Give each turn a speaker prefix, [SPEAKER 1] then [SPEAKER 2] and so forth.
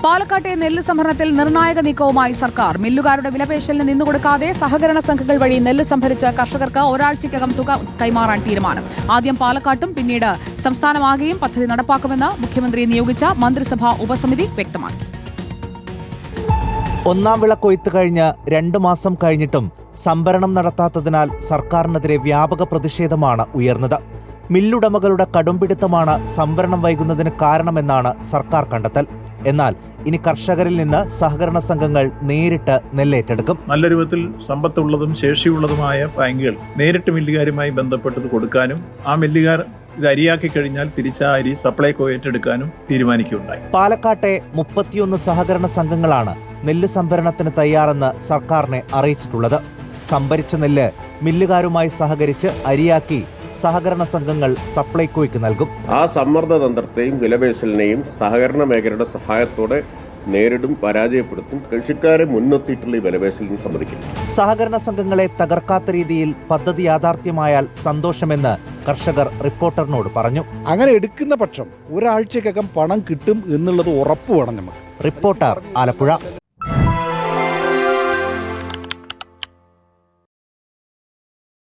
[SPEAKER 1] പാലക്കാട്ടെ നെല്ല് സംഭരണത്തിൽ നിർണായക നീക്കവുമായി സർക്കാർ. മില്ലുകാരുടെ വിലപേശലിന് നിന്നുകൊടുക്കാതെ സഹകരണ സംഘങ്ങൾ വഴി നെല്ല് സംഭരിച്ച് കർഷകർക്ക് ഒരാഴ്ചയ്ക്കകം തുക കൈമാറാൻ തീരുമാനം. ആദ്യം പാലക്കാട്ടും പിന്നീട് സംസ്ഥാനമാകെയും പദ്ധതി നടപ്പാക്കുമെന്ന് മുഖ്യമന്ത്രി നിയോഗിച്ച മന്ത്രിസഭാ ഉപസമിതി വ്യക്തമാക്കി.
[SPEAKER 2] ഒന്നാം വിള കൊയ്ത്ത് കഴിഞ്ഞ് 2 മാസം കഴിഞ്ഞിട്ടും സംഭരണം നടത്താത്തതിനാൽ സർക്കാരിനെതിരെ വ്യാപക പ്രതിഷേധമാണ് ഉയർന്നത്. മില്ലുടമകളുടെ കടുംപിടുത്തമാണ് സംഭരണം വൈകുന്നതിന് കാരണമെന്നാണ് സർക്കാർ കണ്ടെത്തൽ. എന്നാൽ ഇനി കർഷകരിൽ നിന്ന് സഹകരണ സംഘങ്ങൾ നേരിട്ട് നെല്ലേറ്റെടുക്കും.
[SPEAKER 3] നല്ല രൂപത്തിൽ സമ്പത്തുള്ളതും ശേഷിയുള്ളതുമായ ബാങ്കുകൾ നേരിട്ട് മില്ലുകാരുമായി ബന്ധപ്പെട്ടത് കൊടുക്കാനും ആ മില്ലുകാർ ഇത് അരിയാക്കി കഴിഞ്ഞാൽ തിരിച്ച അരി സപ്ലൈകോ ഏറ്റെടുക്കാനും തീരുമാനിക്കുകയുണ്ടായി.
[SPEAKER 2] പാലക്കാട്ടെ 31 സഹകരണ സംഘങ്ങളാണ് നെല്ല് സംഭരണത്തിന് തയ്യാറെന്ന് സർക്കാരിനെ അറിയിച്ചിട്ടുള്ളത്. സംഭരിച്ച നെല്ല് മില്ലുകാരുമായി സഹകരിച്ച് അരിയാക്കി സഹകരണ സംഘങ്ങൾ സപ്ലൈകോയ്ക്ക് നൽകും.
[SPEAKER 4] ആ സമ്മർദ്ദ തന്ത്രത്തെയും വിലപേശലിനെയും സഹകരണ മേഖലയുടെ സഹായത്തോടെ നേരിടും, പരാജയപ്പെടുത്തും. കൃഷിക്കാരെ മുൻനിർത്തിയിട്ടുള്ള ഈ വിലപേശലിന് സമ്മതിക്കില്ല.
[SPEAKER 2] സഹകരണ സംഘങ്ങളെ തകർക്കാത്ത രീതിയിൽ പദ്ധതി യാഥാർത്ഥ്യമായാൽ സന്തോഷമെന്ന് കർഷകർ റിപ്പോർട്ടറിനോട് പറഞ്ഞു.
[SPEAKER 5] അങ്ങനെ എടുക്കുന്ന പക്ഷം ഒരാഴ്ചക്കകം പണം കിട്ടും എന്നുള്ളത് ഉറപ്പ് വേണം നമുക്ക്.
[SPEAKER 2] റിപ്പോർട്ടർ ആലപ്പുഴ.